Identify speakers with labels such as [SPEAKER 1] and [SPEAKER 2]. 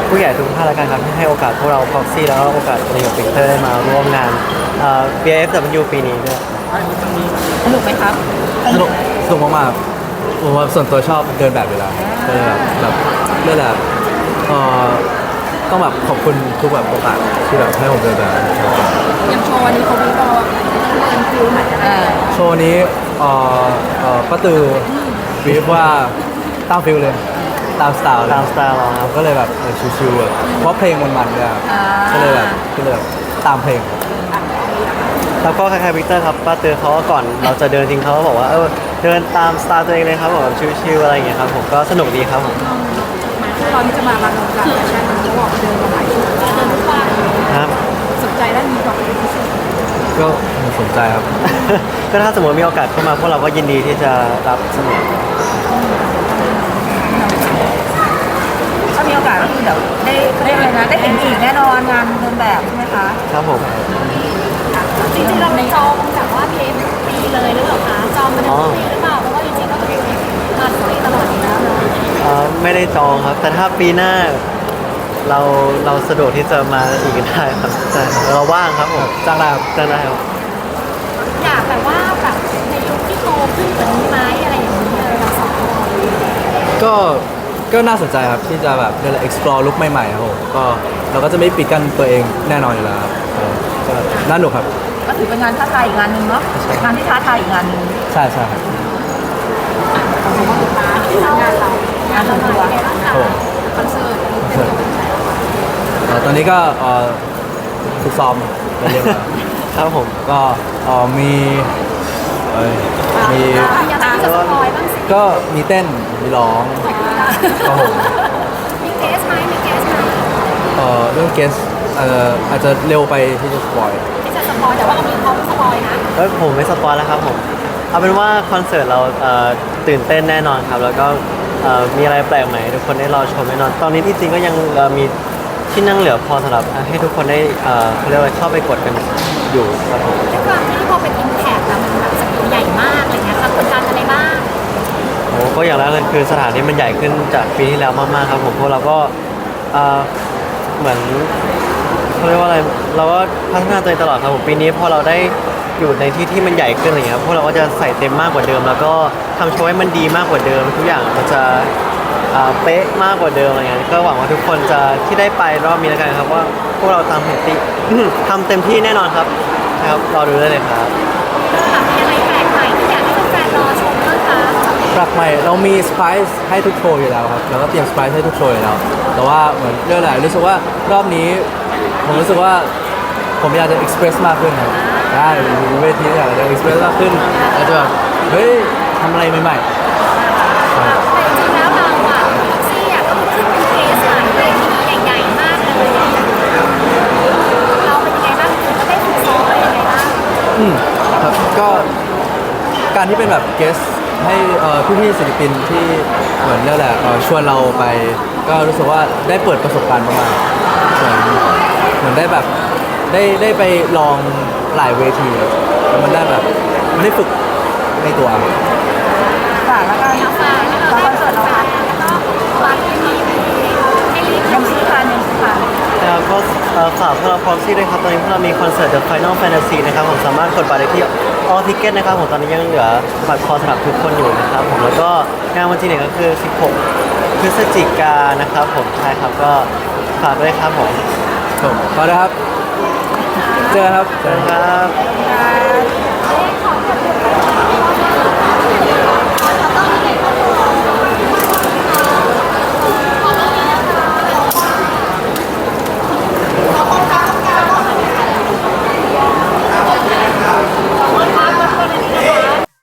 [SPEAKER 1] ผู้ใหญ่ทุกท่านแล้วกันครับที่ให้โอกาสพวกเราพ็อกซี่แล้วก็โอกาสในกับปิกเตอร์ได้มาร่วมงานBFW ปีนี้ด้วย
[SPEAKER 2] สนุกไหมครับ
[SPEAKER 3] สนุกสนุกมากๆผมว่าส่วนตัวชอบเดินแบบอยู่แล้วก็เลยแบบเรื่องแบบเอ่อต้องแบบขอบคุณทุกแบบโอกาสที่แบบให้ผมเดินแบบ
[SPEAKER 2] อย่างโชว์วันนี้เขาวิเคราะห์เป็นฟิลไหน
[SPEAKER 3] โชว์นี้ป้าตือบีฟว่าตามฟิลเลยตามสไตล์เลย
[SPEAKER 1] ตามสไตล์เราครับ
[SPEAKER 3] ก็เลยแบบชิวๆแบบเพราะเพลงมันๆด้วยครับก็เลยแบบตามเพลง
[SPEAKER 1] แล้วก็คล้ายๆวิกเตอร์ครับป้าเตือนเขาก็ก่อนเราจะเดินจริงเขาก็บอกว่าเดินตามสไตล์ตัวเองเลยครับแบบชิลๆอะไรอย่างเงี้ยครับผมก็สนุกดีครับผม
[SPEAKER 2] ตอนที่จะมารันวงการแฟชั่นเขาบอกเดินมาหลายชุดเดินทุกวัน
[SPEAKER 1] ครับ
[SPEAKER 2] สนใจด้านนี้ก่อนเป็นพิเศษ
[SPEAKER 3] ก็สนใจครับ
[SPEAKER 1] ก็ถ้าสมมติมีโอกาสเข้ามาพวกเราก็ยินดีที่จะรับเสมอ
[SPEAKER 2] ถ้ามีโอกาสก็คือเดี๋ยวได้อะไรนะได้เห็นอีกแน่นอนงานเดินแบบใช่ไหมคะ
[SPEAKER 1] ครับผม
[SPEAKER 4] จริงๆเราจองแบบว่าเพจปีเลยหรือเปล่าคะจองมาทั้งปีหรือเปล่าเพราะว่าจริงๆก็เป็นมาทุกปีตลอดอยู่แล้ว
[SPEAKER 1] ไม่ได้จองครับแต่ถ้าปีหน้าเราสะดวกที่จะมาอีกได้ครับแต่เราว่างครับผม
[SPEAKER 3] จ้างได้ครับ
[SPEAKER 1] จ้างได้ครับ
[SPEAKER 4] อยากแบบว่าแบบในยุคที่โตขึ้นกว่านี้ไหมอะไรอย่างนี้เลยเราสองคน
[SPEAKER 3] ก็น่าสนใจครับที่จะแบบได้ explore ลุคใหม่ๆครับผมก็เราก็จะไม่ปิดกั้นตัวเองแน่นอนอยู่แล้วครับก็น่าหนุกครับ
[SPEAKER 2] ก็ถือเป็นงานท้าทายอีกงานหนึ่งเนาะงานที่ท้าทายอีกงานหนึ่ง
[SPEAKER 3] ใช่ครับ
[SPEAKER 2] งานเรางานทัวร์คอนเสิร์
[SPEAKER 3] ตตอนนี้ก็ฝึกซ้อมเรียบร้อย
[SPEAKER 1] ครับผม
[SPEAKER 3] ก็มี
[SPEAKER 4] อยากจะสปอยบ้างสิ
[SPEAKER 3] ก็มีเต้นมีร้องครับผม
[SPEAKER 4] มีเกสไหม
[SPEAKER 3] เรื่องเกสอาจจะเร็วไปที่จะสปอย
[SPEAKER 4] ที่จะสปอยแต่ว่าเรามีพร้อมสปอยนะ
[SPEAKER 1] ผมไม่สปอยแล้วครับผมเอาเป็นว่าคอนเสิร์ตเราตื่นเต้นแน่นอนครับแล้วก็มีอะไรแปลกใหม่ทุกคนได้รอชมแน่นอนตอนนี้ที่จริงก็ยังมีที่นั่งเหลือพอสำหรับให้ทุกคนได้เขาเรียกว่าเข้าไปกดกันอยู่ครับผม
[SPEAKER 4] ด้วยความที่พอเป็นอิมแพคแล้วมันแบบสเกลใหญ่มากอะไรเงี้ยครับกดดันอะไรบ้าง
[SPEAKER 1] ก็อย่างแรกเลยคือสถานที่มันใหญ่ขึ้นจากปีที่แล้วมากๆครับผมพวกเราก็เหมือนเขาเรียกว่าอะไรเราก็พัฒนาตัวเองตลอดครับผมปีนี้พอเราได้อยู่ในที่ที่มันใหญ่ขึ้นอะไรเงี้ยพวกเราก็จะใส่เต็มมากกว่าเดิม แล้วก็ทำโชว์ให้มันดีมากกว่าเดิมทุกอย่างมันจะเป๊ะมากกว่าเดิมอะไรเงี้ยก็หวังว่าทุกคนจะที่ได้ไปรอบนี้แล้วกันครับว่าพวกเราทำเต็มที่แน่นอนครับรอดูได้เลยครับ
[SPEAKER 4] มีอะไรแปลกใหม่ที่อยากให้แฟนๆรอชมบ้างคะ
[SPEAKER 3] แปลกใหม่เรามีเซอร์ไพรส์ให้ทุกโชว์อยู่แล้วครับเราก็เตรียมเซอร์ไพรส์ให้ทุกโชว์อยู่แล้วแต่ว่าเหมือนเรื่องอะไรรู้สึกว่ารอบนี้ผมรู้สึกว่าผมอยากจะเอ็กซ์เพรสมากขึ้นครับได้เวทีอยากจะเอ็กซ์เพรสมากขึ้นอยากจะแบบเฮ้ยทำอะไรใหม่ๆ
[SPEAKER 4] แต่จริงๆแล้วเราอะพ็อกซี่อะก็ขึ้นเป็นเคสหลายเวทีใหญ่ๆมากเลยเราเป็นยังไงบ้างถึงก็ได้ฝึกซ้อมอะไรยังไงบ้าง
[SPEAKER 3] ครับก็การที่เป็นแบบเกสให้พี่ๆศิลปินที่เหมือนนี่แหละชวนเราไปก็รู้สึกว่าได้เปิดประสบการณ์มากๆเหมือนได้แบบได้ไปลองหลายเวทีแล้วมันได้แบบมันได้ฝึกในตัว
[SPEAKER 2] ฝากแล้วกันฝากคอนเสิร์ตเราค่ะ
[SPEAKER 4] แล้วก็ฝากที่มีให้รีบ
[SPEAKER 2] ยังซื้อทาน
[SPEAKER 1] แล้วก็ฝากพวกเราพร้อมซี่ด้วยครับตอนนี้พวกเรามีคอนเสิร์ต The Final Fantasy นะครับผมสามารถกดบัตรได้ที่ All Ticket นะครับผมตอนนี้ยังเหลือบัตรพอสำหรับทุกคนอยู่นะครับผมแล้วก็งานวันที่1ก็คือ 16 พฤศจิกายนนะครับผมใช่ครับก็ฝากด้วยครับผม
[SPEAKER 3] ขอเลยครับเจอครับ
[SPEAKER 1] ครับ
[SPEAKER 4] ขอบคุณ